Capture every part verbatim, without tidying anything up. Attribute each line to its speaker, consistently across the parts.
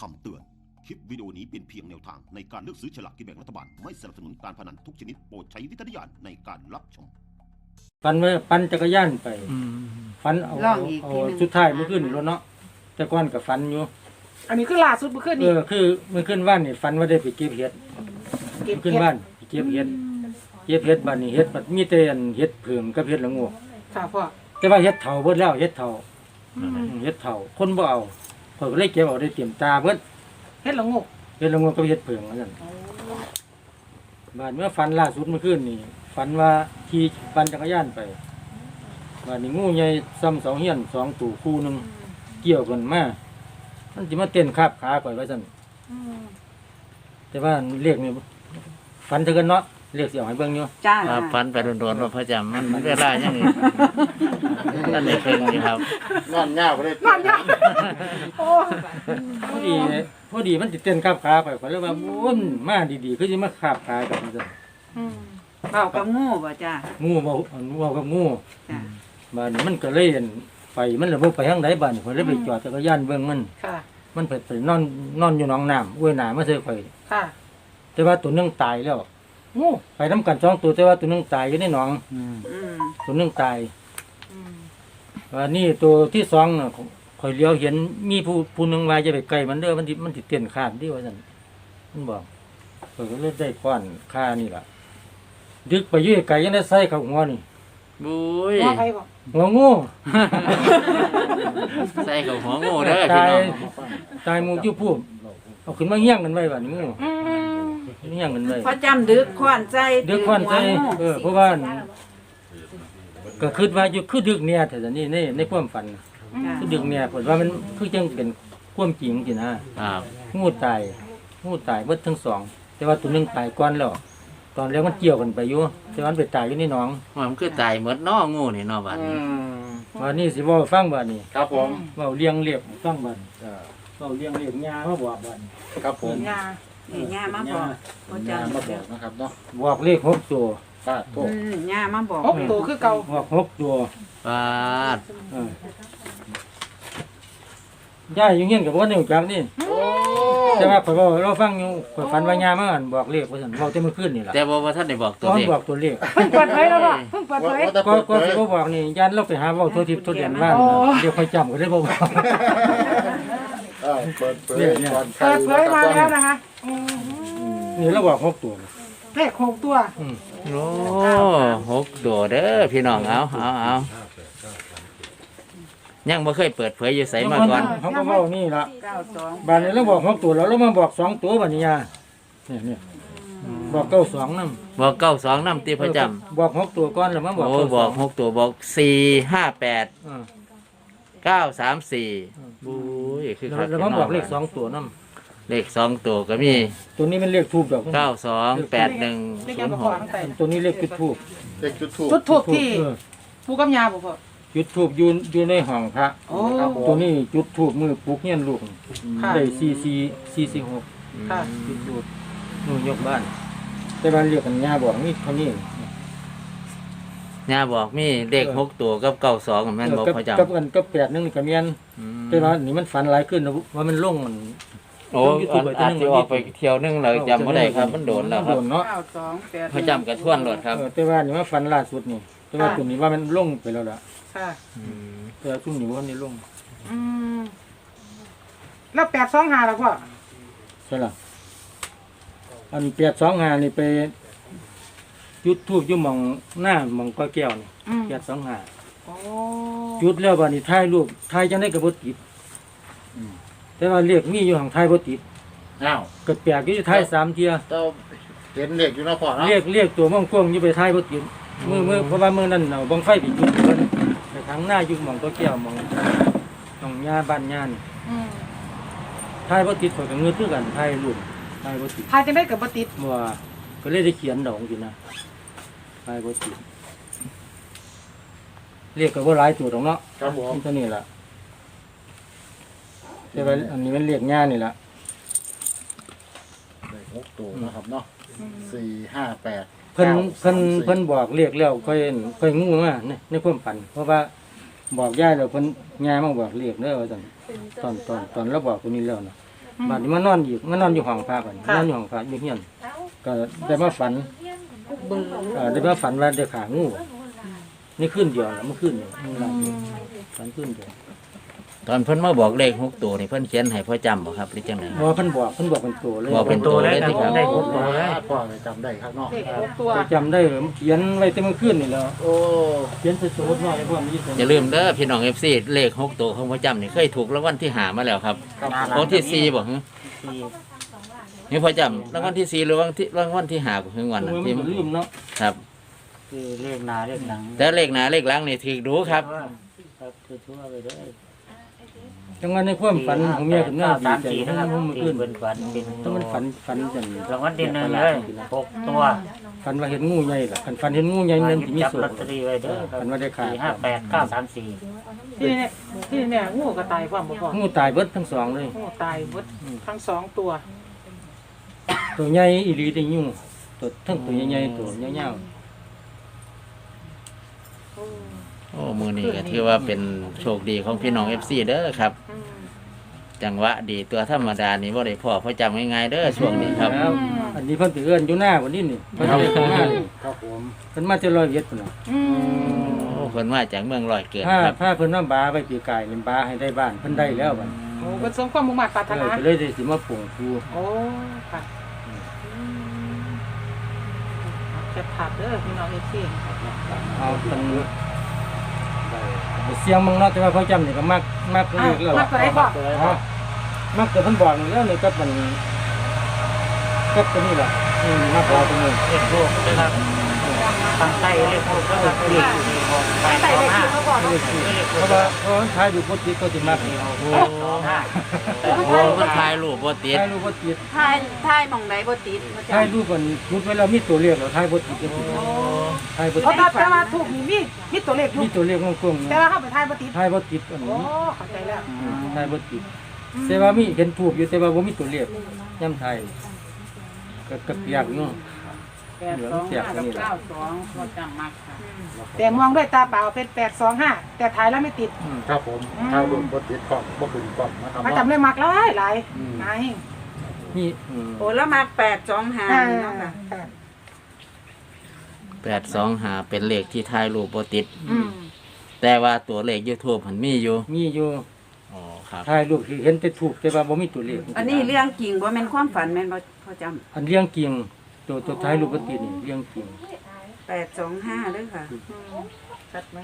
Speaker 1: คำเตือนคลิปวิดีโอนี้เป็นเพียงแนวทางในการเลือกซื้อฉลากกินแบ่งรัฐบาลไม่สนับสนุนการพนันทุกชนิดโปรดใช้วิจารณญาณในการรับชม
Speaker 2: ฟันไว้ปั่นจักรยานไปฟันเอา
Speaker 3: ลองอีก
Speaker 2: เอา
Speaker 3: ทีหนึ่ง
Speaker 2: สุดท้ายเมื่อคืนนี่รถเนาะแต่ก่อนก็ฟันอยู่
Speaker 4: อันนี้คือล่าสุดเมื่อคืน
Speaker 2: เอ
Speaker 4: นี้
Speaker 2: อคือเมื่อคืนว่านนี่ฟันว่าได้ไปเก็บเห็ด
Speaker 4: เก็บ
Speaker 2: เมื่อคืนว่านไปเก็บเห็ดเก็บเห็ดบ้านนี้เห็ดมันมีแต่อันเห็ดเผิ่มกับเห็ดละโงู
Speaker 4: ค่ะพ่อ
Speaker 2: แต่ว่าเห็ดเฒ่าเบิดแล้วเห็ดเฒ่า
Speaker 4: อืม
Speaker 2: อืมเห็ดเฒ่าคนบ่เอาเพิ่นก็เลยเก็บเอาได้เตรียมตาเบิด
Speaker 4: เฮ็ดละงก
Speaker 2: เห็ดละโงูกับเห็ดเผิ่มว่าซั่นบ้านเมื่อฟันล่าสุดเมื่อคืนนี่ฝันว่าขี่ปั่นจักรยานไปบ้านนี้งูใหญ่ซ้ำสองเฮียนสองตู่คู่หนึงเกี่ยวกันมามันสิมาเต้นคาบขาข่อยไว้ซั่น
Speaker 4: อืม
Speaker 2: แต่ว่าเรียกนี่ฝันเท่ากันเนาะเรียกเสียงให้เบิ่งอยู่
Speaker 3: จ้า
Speaker 5: ครับฝันไปโดนๆว่าพระจำมันเวลายังนี่นั่นในเพิ่งนี่ครับ
Speaker 6: นอนยาวไปเลย
Speaker 4: นั่นยังโอ้
Speaker 2: พอดีพอดีมันสิเต้นคาบขาไปข่อยเลยว่าโอ้ยมันมาดีๆคือสิมาคาบขากันซั่น
Speaker 4: อืม
Speaker 3: เบากับงูบ่จ้า
Speaker 2: งูเว้าเว้ากับงู
Speaker 3: จ้า
Speaker 2: บ้านนี้มันก็เลยอั่นไปมันเลยบ่ไปทางใดบ้านนี้ข่อยเลยไปจอดจักรยานเบิ่งมัน
Speaker 4: ค่ะ
Speaker 2: มันไปไปนอนนอนอยู่หนองน้ำอ้วยหน้ามาใส่ข่อย
Speaker 4: ค่ะ
Speaker 2: แต่ว่าตัวหนึงตายแล้วงูไปนํกันสองตัวแต่ว่าตัวหนึงตายอยู่ในหนอง
Speaker 3: อืม
Speaker 2: ตัวหนึงตาย
Speaker 4: อืม
Speaker 2: ว่านี่ตัวที่สองน่ะข่อยเลี้ยวเห็นมีผู้ผู้หนึงว่าจะไปใกล้มันเด้อมันสิมันสิเต้นข้ามที่ว่าซั่นมันบอกข่อยก็เลยได้ก้อนค่านี่ล่ะดึกไปอยู่ไกลยังได้ใส่เข้าหัวนี่
Speaker 5: บุ้ย
Speaker 4: ว่าใครบอก
Speaker 2: หัวงู
Speaker 5: ใส่กับหัวงูเด้อพี่
Speaker 2: ตาย
Speaker 5: น้อง
Speaker 2: ตายหมู่อยู่ผู้เอาขึ้นมาเฮี้ยงกันไว้บัดนี้งู
Speaker 4: อืม
Speaker 2: เฮี้ยงกันไว้
Speaker 3: พอจำดึกขวานใจ
Speaker 2: เดือกควันใจเออเพราะว่าก็คิดว่าอยู่คือดึกเนี่ยแต่นี่ในในความฝัน
Speaker 3: จ้า
Speaker 2: คือดึกเนี่ยผมว่ามันคือจังเป็นความจริงสินะครับ งูตายงูตายเบิดทั้งสอง แต่ว่าตัวหนึงตายก่อนแล้วตอนแรกมันเกี่ยวกันไปอยู่แต่ว่ามันไปตายอยู่ในหนอง
Speaker 5: มันคือตายหมดเน้องูนี่เนาะบัดนี้
Speaker 2: วันนี้สิเว้าให้ฟังบัดนี้
Speaker 6: ครับผม
Speaker 2: เว้าเลี้ยงเรียบให้ฟังบัดเว้าเลี้ยงเรียบยามาบอกบัด
Speaker 6: ครับผม
Speaker 4: ยา
Speaker 3: นี่ย่ามาบอกพอจำ
Speaker 6: มาบอกนะครับเนาะ
Speaker 2: บอกเลขหกตัว
Speaker 6: ป้าโทษ
Speaker 3: อืมย่ามาบอก
Speaker 4: หกตัวคือเก่า
Speaker 2: บอกหกตัว
Speaker 5: ปาด
Speaker 2: เออย่าอยู่เงี้ยกับว่าเนี่ยจักนี่
Speaker 6: โอ้
Speaker 2: แต่ว่าข่อยเว้าเราฟังอยู่ข่อยฝันว่ายามาอั่นบอกเลขว่าซั่นเว้าแต่เมื่อคืนนี่ล่ะ
Speaker 5: แต่บ่ว่าท่านได้บอกตัว
Speaker 2: ตอน
Speaker 5: เลข
Speaker 2: บอกตัวเลข
Speaker 4: เพิ่งเปิดเผยแล้วพ่อเพิ่งเปิดเผย
Speaker 6: ว่าแต่
Speaker 2: ก็
Speaker 6: เปิด
Speaker 2: ก็
Speaker 6: เผ
Speaker 2: สิ
Speaker 6: ย
Speaker 2: บ่บอกนี่ยันเราไปหาเว้าตัวทิพย์ตัวเดียนบ้าน
Speaker 4: โอ้
Speaker 2: เดี๋ยวค่อยจำก็ได้บ่บอก
Speaker 6: เออเปิดเผย
Speaker 2: เนี่ย
Speaker 6: ก่อนใคร
Speaker 4: เปิดเผยมาแล้วนะคะอืม
Speaker 2: นี่เราบอกหกตัว
Speaker 4: เลขหกตัว
Speaker 2: อืม
Speaker 5: โอ้หกตัวเด้อพี่น้องเอาเอาเอายังบ่เคยเปิดเผยอยู่ไสมาก่อน
Speaker 2: เขาก็เว้านี่ล่ะ
Speaker 3: เก้าสอง
Speaker 2: บ้านนี้เราบอกหกตัวแล้วเรามาบอกสองตัวบัดนี้ยาเนี่ยเนี่ยบอกเก้าสองนำ
Speaker 5: บอกเก้าสองน้ำตีพระจำ
Speaker 2: บอกหกตัวก่อนแล้วมาบอก
Speaker 5: โอ้
Speaker 2: เก้าส
Speaker 5: บ
Speaker 2: อ
Speaker 5: อง กหกตัวบอกสี่ห้าแปด
Speaker 2: อ่า
Speaker 5: เก้าสามสี่บุ้ยคือ
Speaker 2: แล้ว
Speaker 5: คัก
Speaker 2: แล้วมาบอกเลขสองตัวนำ
Speaker 5: เลขสองตัวก็มี
Speaker 2: ตัวนี้มันเลขทูบดอก
Speaker 5: เก้าสองแปดหนึ่ง
Speaker 4: เลข
Speaker 5: ศู
Speaker 4: ยัง
Speaker 5: น
Speaker 4: บ่
Speaker 5: ย์ห
Speaker 4: พอก ทั้งแต่
Speaker 2: ตัวนี้เลขจุดทูบ
Speaker 6: เด็กจุดถูก
Speaker 4: จุดทูบที่
Speaker 2: เออ
Speaker 4: ผู้กำยาบ่พ่อ
Speaker 2: จุดทูบอยู่อยู่ในห้องพระ
Speaker 4: โอ้
Speaker 6: ครับผม
Speaker 2: ตัวนี้จุดทูบมือปลุกเฮียนลูก
Speaker 4: ค่ะ
Speaker 2: ได้สี่สี่สี่สี่หก
Speaker 4: ค่ะ
Speaker 2: จุดทูบนู่นยกบ้าน แต่บ้านเรียกกันย่าบอกนี่เท่านี้
Speaker 5: ย่าบอกมีเลขหกตัวกับเก้าสองแม่นบอก
Speaker 2: กับ
Speaker 5: พระ
Speaker 2: กับ
Speaker 5: จำ
Speaker 2: อันกับแปดนึงนี่ก็เมียน
Speaker 5: อืม
Speaker 2: แต่ว่านี่มันฝันหลายขึ้นนะว่ามันลงมัน
Speaker 5: โอ้อันอาจจะออกไปเที่ยวนึงเลยจำไม่ได้ครับ มันโดนแล้วครับ
Speaker 2: โดนเนาะ
Speaker 3: เก้าสองแปด
Speaker 5: พระจำกระท่วนรถครับ
Speaker 2: เออแต่ว่านี่ว่าฝันล่าสุดนี่แต่ว่าตัวนี้ว่ามันลงไปแล้วล่ะ
Speaker 4: ค่ะ
Speaker 5: อืม
Speaker 2: แต่ว่าช่วงนี้ว่านี่ลง
Speaker 4: อืมแล้วแปดสองห้าแล้วพ่อ
Speaker 2: ใช่ล่ะอันแปดสองห้านี่ไปจุดทูบอยู่หมองหน้าหมองก้อยแก้วนี่
Speaker 4: อืม
Speaker 2: แปดสองห้า
Speaker 4: โอ้
Speaker 2: จุดแล้วบัดนี้ถ่ายรูปถ่ายจังได้ก็บ่ติดแต่ว่าเรียกมีอยู่ห่างถ่ายบ่ติด
Speaker 6: อ้าว
Speaker 2: ก็แปลกอยู่ถ่ายสามเที่ย
Speaker 6: เจ้าเห็นเด็กอยู่เนาะพ่อเนาะ
Speaker 2: เรียกเรียกตัวม่วงกวงอยู่ไปถ่ายบ่ติดมือมือเพราะว่ามือนั้นเอาบังไฟไปจุดเพิ่นไปทางหน้าอยู่หม่องก็แก้วหม่องหม่องหญ้าบ้านหญ้านี่
Speaker 4: อืม
Speaker 2: ถ่ายบ่ติดข้อยก็เงือคือกันถ่ายรูปถ่ายบ่ติด
Speaker 4: ทายจะได้กับบ่ติด
Speaker 2: ว่าก็เลยได้เขียนดอกสินะถ่ายบ่ติดเรียกก็บ่หลายตัวดอกเนาะ
Speaker 6: ครับผม
Speaker 2: นี่เท่านี้ล่ะแต่ว่าอันนี้มันเรียกหญ้านี่ล่ะ
Speaker 6: เด็กหกตัวนะครับเนาะสี่ห้าแปด
Speaker 2: เพิ่น
Speaker 6: ก้า
Speaker 2: เพิ่น
Speaker 6: สามสี่
Speaker 2: เพิ่นบอกเรียกแล้วค่อยค่อยงูมาในในความฝัน เพราะว่าบอกยายแล้วเพิ่นยายมาบอกเรียกเด้อว่าซั่นตอนตอนตอนเราบอกตัวนี้แล้วนะบาดนี้มานอนอยู่มานอนอยู่ห้องพระบัดนี้นอนอยู่ห้องพระอยู่เฮียนก็ได้มาฝันเอ่อได้มาฝันว่าได้ขางูนี่ขึ้นเดียวแล้วเมื่อคืนนี่ฝันขึ้นเดียว
Speaker 5: ตอนเพิ่นมาบอกเลขหกตัวนี่เพิ่นเขียนให้พ่อจำบ่ครับหรือจังได๋
Speaker 2: เพราะว่าเพิ่นบอกเพิ่นบอกเป็นตัวเลย
Speaker 5: บอกเป็นตัวเลยที่ครับ
Speaker 6: ได้หกตัวแล้วพ่อเลยจำได้ครับเนาะ
Speaker 4: เลขหกตัว
Speaker 2: จำได้เหรอมันเขียนไว้แต่เมื่อคืนนี่แล้ว
Speaker 6: โอ้
Speaker 2: เขียนใส่สมุดไว้ให้พ่อมี
Speaker 5: อย่าลืมเด้อพี่น้อง เอฟ ซี เลขหกตัวของพ่อจำนี่เคยถูกรางวัลที่ห้ามาแล้วครับรางวัลที่สี่บ่ฮะนี่พ่อจำรางวัลที่สี่หรือรางวัลที่รางวัลที่ห้าของรางวัล
Speaker 2: มั
Speaker 5: น่ะ
Speaker 2: น
Speaker 5: ที่
Speaker 2: ลืมเนาะ
Speaker 5: ครับ
Speaker 7: คือเลขหนาเลขหลัง
Speaker 5: แต่เลขหน้าเลขหลังนี่ถูกดูครับ
Speaker 7: ครับคือทั่วไปได้
Speaker 2: จังหวะในความฝันของเมียขึ้นมาดี
Speaker 7: สาม
Speaker 2: ใจ
Speaker 7: สี่
Speaker 2: ทั้
Speaker 7: นะครับ
Speaker 2: งเมื่อ
Speaker 7: ที่
Speaker 2: คืน
Speaker 7: เป็นฝันเป็น
Speaker 2: ถ้ามันฝันฝันจัง
Speaker 7: รางวัลที่หนึ่งเลยหกตัว
Speaker 2: ฝันว่าเห็นงูใหญ่ล่ะฝันฝันเห็นงูใหญ่นั่นสิมี
Speaker 7: จับ
Speaker 2: โศ
Speaker 7: ลอก ตเตอรี่ไว้เด้อครับ
Speaker 2: ฝันว่าได้ขา
Speaker 7: สี่ห้าแปดเก้าสามสี่
Speaker 4: ที่เนี่ยที่เนี่ยงูก็ตายความบ่พอ
Speaker 2: งูตายเบิดทั้งสองเลย
Speaker 4: งูตายหมดทั้งสองตัว
Speaker 2: ตัวใหญ่อีหลีได้ยุ่งตัวทั้งตัวใหญ่ๆตัวยาว
Speaker 5: โอ้มือนี้ก็ถือว่าเป็นโชคดีของพี่น้อง เอฟ ซี เด้อครับ
Speaker 4: อืม
Speaker 5: จังหวะดีตัวธรรมดานี่บ่ได้พ่อพ่อจำง่ายๆเด้อช่วงนี้ครับ
Speaker 2: แล้วอันนี้เพิ่นไปเอื้อนอยู่หน้าวันนี้นี่เพิ่นได้เข้ามานี่
Speaker 6: ครับผม
Speaker 2: เพิ่นมาจะร้อยเอ็ดพุ่นน่ะ
Speaker 4: อืม
Speaker 5: โอ้เพิ่นมาจากเมืองร้อยเกิด
Speaker 2: ถ้า
Speaker 5: ครับ
Speaker 2: ถ้าเพิ่นว่าบาไปปีกายนี่บาให้ได้บ้านเพิ่นได้แล้วบัด
Speaker 4: โอ้เป็นสมความมุ่งมั่นปรารถ
Speaker 2: เออ
Speaker 4: นา
Speaker 2: ก็เลยได้สิมาปลูกครู
Speaker 4: โอ้ค่ะแคปภาพเด้อพี่น้องเอฟซี
Speaker 2: เอาเพิ่นเสียงมึงเนาะแต่ว่าเขาจำนี่ก็มักมัก
Speaker 4: อ่ะ
Speaker 2: เรียกแล้ว
Speaker 4: มา
Speaker 2: ล่ะ
Speaker 4: ตัวไหนบอก
Speaker 2: อ๋อมักแต่เพิ่นบอกนี่แล้วนี่ก็มันก็ตัวนี้ล่ะนี่มักเอาตัวนี้
Speaker 7: เลขทูบนะครับทางใต้เลขทูบนะครับเลขสี่หกแปด
Speaker 4: ใส่
Speaker 7: สอง
Speaker 4: เลข
Speaker 7: ห้า
Speaker 4: ที่เขาบอก
Speaker 2: เพราะว่าเพราะว่าท้ายดูโพสต์ติดก็สิมักนี่
Speaker 5: โอ้
Speaker 7: สองห้า
Speaker 5: โหมันถ่ายรูปบ่ติด
Speaker 2: ท้ายรูปโพสต์ติด
Speaker 3: ท้ายท้ายหม่องใดบ่ติดบ่
Speaker 2: ท้าย
Speaker 3: จำ
Speaker 2: รูปมันชุดไว้แล้วมีตัวเลขแล้วท้ายโพสต์ติดก็ติดท้ายโพสต์
Speaker 4: เพราะ
Speaker 2: ติด
Speaker 4: แต่ว่าถูกมีมีมีตัวเลขถู
Speaker 2: มี
Speaker 4: ก
Speaker 2: ตัวเลขกลมๆ
Speaker 4: แต่
Speaker 2: นะ
Speaker 4: ว่าเข้าไปทายบ่ติด
Speaker 2: ท้ายโพสต์ติดอัน
Speaker 4: โอ้
Speaker 2: นี้
Speaker 4: เข้าใจแล้ว
Speaker 2: ท้ายโพสต์ติดแต่ว่ามีเห็นถูกอยู่แต่ว่าบ่มีตัวเลขย่ำไทยก็ก็เปียกอยู่
Speaker 3: แปดสองห้ากับเก้าสองบ่จำมักค่ะ
Speaker 4: แต่มองด้วยตาเปล่าเป็นแปดสองห้าแต่ถ่ายแล้วไม่ติด
Speaker 2: อืม
Speaker 6: ครับผมถ้ารุ่นบดติดกล่องบ่ขึ้นกล่องนะครับ
Speaker 4: มา
Speaker 6: เนาะ
Speaker 4: จำเลยมักหลายหลายนาย
Speaker 2: นี่อืม
Speaker 3: โอ้แล้วมักแปดสองห้า
Speaker 4: อ่า
Speaker 3: เนาะค่ะ
Speaker 4: ค่ะ
Speaker 5: แปดสองห้าเป็นเลขที่ถ่ายรูปบ่ติด
Speaker 4: อืม
Speaker 5: แต่ว่าตัวเลข YouTube มันมีอยู่
Speaker 2: มีอยู่
Speaker 5: อ๋อครับ
Speaker 2: ท้ายรูปที่เห็นแต่ถูกแต่ว่าบ่มีตัวเลข
Speaker 3: อันนี้เรื่องจริงบ่แม่นความฝันแม่นบ่พอจำ
Speaker 2: อันเลี้ยงกิ่งตัวตัวท้ายรูปโพสต์ติดนี่เลี้ยงกิ่ง
Speaker 3: แปดสองห้าเด้อค่ะ
Speaker 4: ชัดไหม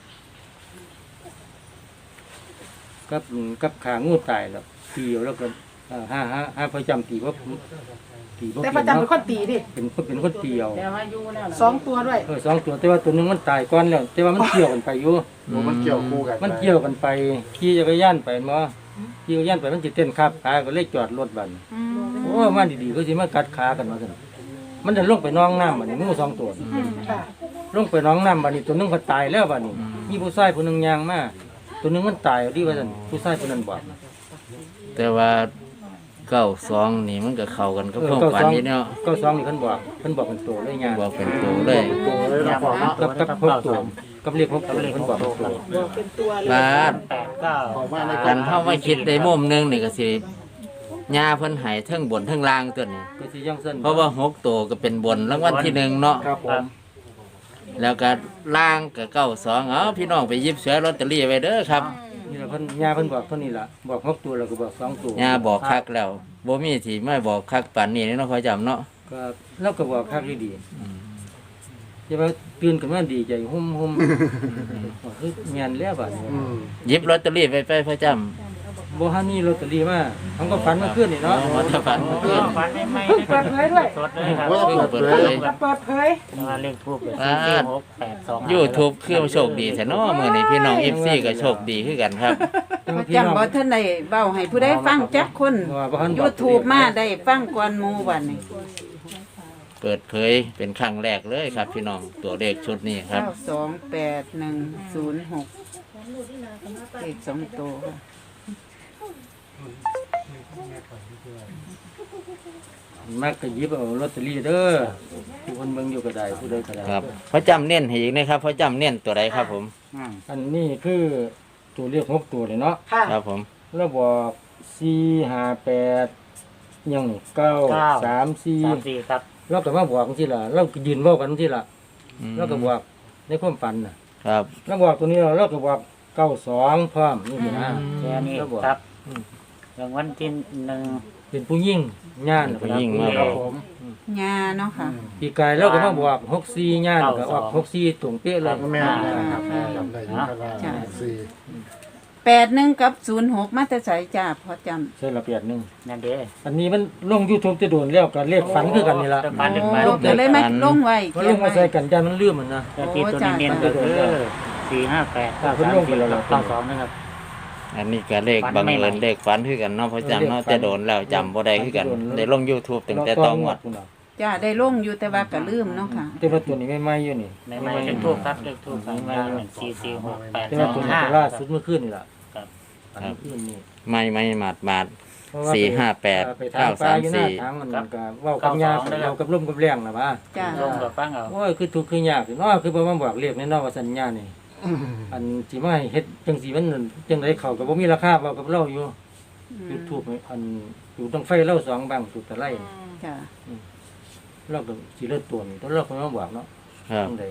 Speaker 2: กับกับขางูตายแล้วตีเอาแล้วก็เอ่อห้าห้าห้าพระจำตีว่าตีว่า
Speaker 4: แต่ประจำเป็นคนตีดิ
Speaker 2: เป็นคนเป็นคนตีเอา
Speaker 4: สองตัวด้วย
Speaker 2: เออสองตัวแต่ว่าตัวหนึงมันตายก่อนแล้ว แต่ว่ามันเกี่ยวกันไปอยู่
Speaker 6: โอ้มันเกี่ยวคู่กัน
Speaker 2: มันเกี่ยวกันไปขี่จักรยานไปมาขี่จักรยานไปมันจะเต้นขับขาก็เลยจอดรถบัดนโอ้มาดีๆก็สิมากัดขากันมาซั่นมันจะลงไปน้องน้ำบัดนี้งูสองตัว
Speaker 4: อืมค่ะ
Speaker 2: ลงไปน้องน้ำบัดนี้ตัวหนึงก็ตายแล้วบัดนี้มีผู้ชายผู้หนึงยางมาตัวหนึงมันตายดีว่าซั่นผู้ชายผู้นั้นบอก
Speaker 5: แต่ว่าเก้าสองนี่มันก็เข้ากันกับความฝันนี่เนาะ
Speaker 2: ก็สองนี่เพิ่นบอกเพิ่นบอกเป็นตัวเลยยาง
Speaker 5: บอกเป็นตัวเลย
Speaker 6: ตัวเลยนะพ่อเนาะ
Speaker 2: กับกับพกตัวกับเรียกพกตัวเพิ่นบอกเป็นตัว
Speaker 4: บอกเป็นตัวเลย
Speaker 5: บาด
Speaker 7: แปดเก้า
Speaker 6: ออกมาในกล่
Speaker 5: กั
Speaker 6: อง
Speaker 5: นเข้ามาคิดในมุมหนึงนี่ก็สิยาเพิ่นให้เทั้งบนเทั้งล่างตัวนี้
Speaker 2: ก็สิยังสั้น
Speaker 5: เพราะว่าหกตัวก็เป็นบนรางวัลที่หนึ่งเนาะ
Speaker 6: ครับผม
Speaker 5: แล้วก็ล่างก็เก้าสองเอาพี่น้องไปหยิบเสือลอตเตอรี่ไว้เด้อครับ
Speaker 2: นี่ล่ะเพิ่นยาเพิ่นบอกเท่านี้ล่ะบอกพกตัวแล้วก็บอกสองตัวย
Speaker 5: าบอกคักแล้วบ่มีที่ไม่บอกคักปานนี้เนาะขอจำเนาะ
Speaker 2: ก็แล้วก็บอกคักดีๆใช่ป่ะตื่นขึ้นมาดีใจหุ่มๆคือแม่นแล้วบัดนี้
Speaker 6: อืม
Speaker 5: หยิบลอตเตอรี่ไปไปพระจำ
Speaker 2: บ่ฮันนี่ลอตเตอรี่มาผมก็ฝันเมื่อคืนนี่เนาะ
Speaker 5: มาถ้าฝันเมื่อคืน
Speaker 7: ฝันไม่ไม่
Speaker 4: เพิ่งเปิดเผยด้วย
Speaker 7: สดเลยครับ
Speaker 6: โอ้
Speaker 5: เพิ่งเปิดเผย
Speaker 4: จะเปิดเผย
Speaker 7: แต่ว่าเลขทูบเป็นสี่สี่หกแปดสองห้า
Speaker 5: ยูทูบคือโชคดีแท้เนาะมื้อนี้พี่น้อง เอฟ ซี ก็โชคดีคือกันครับ
Speaker 2: แต่ว่า
Speaker 3: จำ
Speaker 2: พี่น้อง
Speaker 3: บ่ทันได้เว้าให้ผู้ใดฟังจักคน
Speaker 2: ว่าบ่ทันบอก
Speaker 3: YouTube มาได้ฟังก่อนหมู่บัดนี้
Speaker 5: เปิดเผยเป็นครั้งแรกเลยครับ พี่น้องตัวเลขชุดนี้ครับ
Speaker 3: เก้าสองแปดหนึ่งศูนย์หกเลขสองตัวค่ะ
Speaker 2: มักก็หยิบเอาลอตเตอรี่เด้อผู้คนเบิ่งอยู่ก็ได้ผู้ใดก็ได้
Speaker 5: ครับพระจำเน้นให้อีกนะครับพระจำเน้นตัวใดครับผม
Speaker 2: อันนี้คือตัวเลขหกตัวเลยเนาะ
Speaker 4: ค่ะ
Speaker 5: ครับผม
Speaker 2: แล้วบอกสี่ห้าแปดยังนี่เก้าสามสี่
Speaker 7: สามสี่ครับ
Speaker 2: เราก็มาบอกที่ละเราก็ยืนเว้ากันที่ละ
Speaker 5: อืม
Speaker 2: เราก็บอกในความฝันน่ะ
Speaker 5: ครับ
Speaker 2: เราบอกตัวนี้เราเราก็บอกเก้าสองพร้อมนี่สินะ
Speaker 7: แค่นี้
Speaker 2: เราบอก
Speaker 7: ครับ
Speaker 2: อืม
Speaker 7: รางวัลที่หนึ่ง
Speaker 2: เป็นผู้ยิ่งย่าน
Speaker 5: ผู้หญิงมา
Speaker 2: ครับ
Speaker 5: บอก
Speaker 2: ผม
Speaker 3: งาเนาะค่ะ
Speaker 2: ปีกายเราก็มาบอกหกสี่ย่านก็ออกหกสี่ตรงเป๊ะเลย
Speaker 6: แม่นะครับจำได้อยินครับว่า
Speaker 3: จ้ะ
Speaker 6: สี่
Speaker 3: แปดหนึ่งกับศูนย์หกมาแต่ใส่จ้าพอจำ
Speaker 2: ใช่ละเปียดหนึ่ง
Speaker 7: นั่นเด้
Speaker 2: อันนี้มันลงยูทูบจะโดนแล้วกับเลขฝันคือกันนี่ละ
Speaker 7: ฝันถึงมา
Speaker 3: โอ้ก็เลยไม่ลงไว้
Speaker 2: มัน
Speaker 3: เขี
Speaker 2: ล
Speaker 3: ยน
Speaker 2: งมา
Speaker 3: ไว้
Speaker 2: ใส่กันยันมันลืมมันนะ
Speaker 7: แต่ที่ตัวนี้เน้นก็คือสี่ห้าแปด
Speaker 2: อ่า
Speaker 7: เก้า
Speaker 2: เพิ่น
Speaker 7: สาม
Speaker 2: ลงไป
Speaker 7: สี่
Speaker 2: แล้วล่ะ
Speaker 7: เก้าสองนะครับ
Speaker 5: อันนี้ก็เลข
Speaker 7: ฝัน
Speaker 5: บัง
Speaker 7: ไม่
Speaker 5: เอิญ
Speaker 7: ไหว
Speaker 5: เลขฝันคือกันเนาะเพราะจำเนาะ
Speaker 2: เลขฝัน
Speaker 5: แต่โดนแล้วจำบ่ได้คือกัน
Speaker 2: โดนแล้ว
Speaker 5: ได้ลง YouTube ตั้งแต่ต้องวด
Speaker 2: คุณน่ะ
Speaker 3: จ้าได้ลงอยู่แต่ว่าก็ลืมเนาะค่ะ
Speaker 2: แต่ว่าตัวนี้ไม่ไหม้อยู่นี่
Speaker 7: ในไม่เลขทูบครับเลขทูบสามมาหนึ่งสี่สี่หกแปด
Speaker 2: แต่
Speaker 7: ส
Speaker 2: ว่า
Speaker 7: อง
Speaker 2: ตัวนี้
Speaker 7: ห้า
Speaker 2: ตัวล่าสุดเมื่อคืนนี่ล่ะ
Speaker 7: ครับ
Speaker 2: อันเมื่อคืนนี่
Speaker 5: ไม่ไม่หมาดหมาด
Speaker 2: เพราะว่า
Speaker 5: สี่ห้าแปด
Speaker 2: ไปทางปลาอยู่หน้า
Speaker 5: เก้าสามสี่
Speaker 2: ทางมันก็เว้ากับยาเรากับลมกับแรงน่ะว่า
Speaker 3: จ้า
Speaker 7: ลงกับฟังเอา
Speaker 2: โอ้ยคือทุกข์คือยากเนาะคือบ่มาบอกเรียกแน่นอนว่าสัญญานี่อันสิมาให้เฮ็ดจังซี่มันจังไดเขาก็บ่มีราคาเว้ากับเราอยู่ ยูทูบอันอยู่ตรงไฟเล่าสองบางสุดตะไล
Speaker 3: จ้า
Speaker 2: เราก็สิเลือดตัวนี่ต้องเราก็มาบอกเนาะ
Speaker 5: ครับ
Speaker 2: จังใด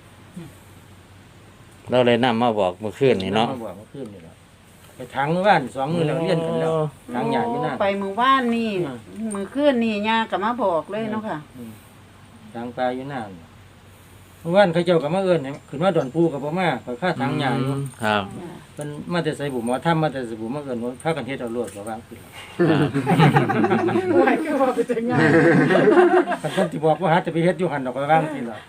Speaker 5: เราเลยนำมาบอกเมื่อคืนนี่เนาะ
Speaker 2: มาบอกเมื่อคืนนี่แหละไปทางเมื่อวานสองมือแล้วเรียนกันแล้วทางใหญ่อยู่นั่น
Speaker 3: ไปมือว่านนี่
Speaker 2: อืม
Speaker 3: มือคืนนี่ยาก็มาบอกเลยเนาะค่ะ
Speaker 2: ทางปลาอยู่นั่นเมื่อวานเขาเจ้าก็มาเอิ้นให้ขึ้นมาดอนปูกับบ่มาไปค่าทางใหญ่อยู่
Speaker 5: ครับ
Speaker 2: เพิ่นมาแต่ใส่บุหมอทำมาแต่ใส่บุมาเอิ้นว่าพากันเฮ็ดเอารวดก็วางขึ้นแล้ว
Speaker 4: โอ้ยคือว่าไปถึงงาน
Speaker 2: คันเพิ่นสิบอกว่าหาจะไปเฮ็ดอยู่หั่นดอกก็วางขึ้นแล้ว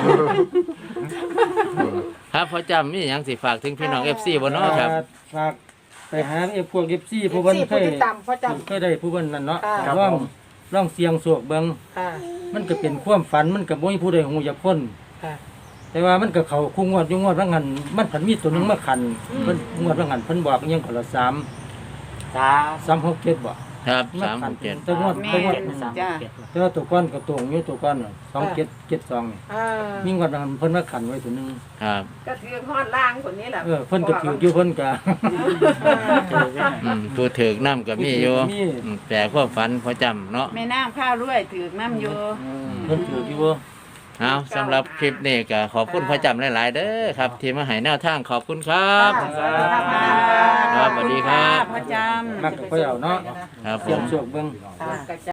Speaker 5: ครับพอจำมีหยังสิฝากถึงพี่น้อง เอฟ ซี บ่เนาะครับ
Speaker 2: ฝากไปหาไอ้พวก เอฟ ซี ผู้เพิ่นเค
Speaker 4: ผู้
Speaker 2: ย
Speaker 4: ติดตามพ่อจ
Speaker 2: เคยได้ผู้เพิ่นนั่นเนาะ
Speaker 4: ค่ะ
Speaker 2: ลองลองเสียงโศกเบิ่ง
Speaker 4: ำค่ะ
Speaker 2: มันก็เป็นความฝันมันก็บ่มีผู้ใดฮู้จักคน
Speaker 4: ค่ะ
Speaker 2: แต่ว่ามันก็เข้าคุงวดอยู่งวดว่างั้นมันผันมีตัวหนึงมาขันเพิ่นงวดว่างั้นเพิ่นบอกอิหยังคนละสาม
Speaker 7: สาม
Speaker 2: สามหกเจ็ดบ่
Speaker 5: ครับ
Speaker 2: มา
Speaker 5: สาม
Speaker 2: ขัน
Speaker 5: เจ็ด
Speaker 2: แต่งวด
Speaker 3: แม่
Speaker 2: แต่งวด
Speaker 7: เจ็ดสาม
Speaker 3: จ้า
Speaker 7: เจ็ด
Speaker 2: แต่ว่าตัวก้อนก็ตรงอยู่ตัวก้อนน่ะสองเจ็ดเจ็ดสองนี่
Speaker 4: อ่า
Speaker 2: มีงวดว่างั้นเพิ่นมาขันไว้ตัวหนึง
Speaker 5: ครับ
Speaker 4: ก็คือฮอดล่างคนนี้แหละ
Speaker 2: เออเพิ่นก็ถืออยู่เพิ่นก็
Speaker 5: อืมผู้ถือกน้ำก็มีอยู่
Speaker 2: มี
Speaker 5: อืมแต่ความฝันพอจำเนาะ
Speaker 3: แม่น้ำข้าวด้วยถือน้ำอยู่
Speaker 2: เพิ่นถืออยู่บ่
Speaker 5: เอาสำหรับคลิปนี้ก็ขอบคุณพอจำหลาย ๆ เด้อครับ ที่มาให้แนวทางขอบคุณครับ ครับสวัสดีครับ
Speaker 3: พ่อจำ
Speaker 2: มักก็ค่อยเอาเนาะ
Speaker 5: ครับผ
Speaker 2: เสียง
Speaker 5: ม
Speaker 2: โศกเบิ่ง
Speaker 4: ค่ะ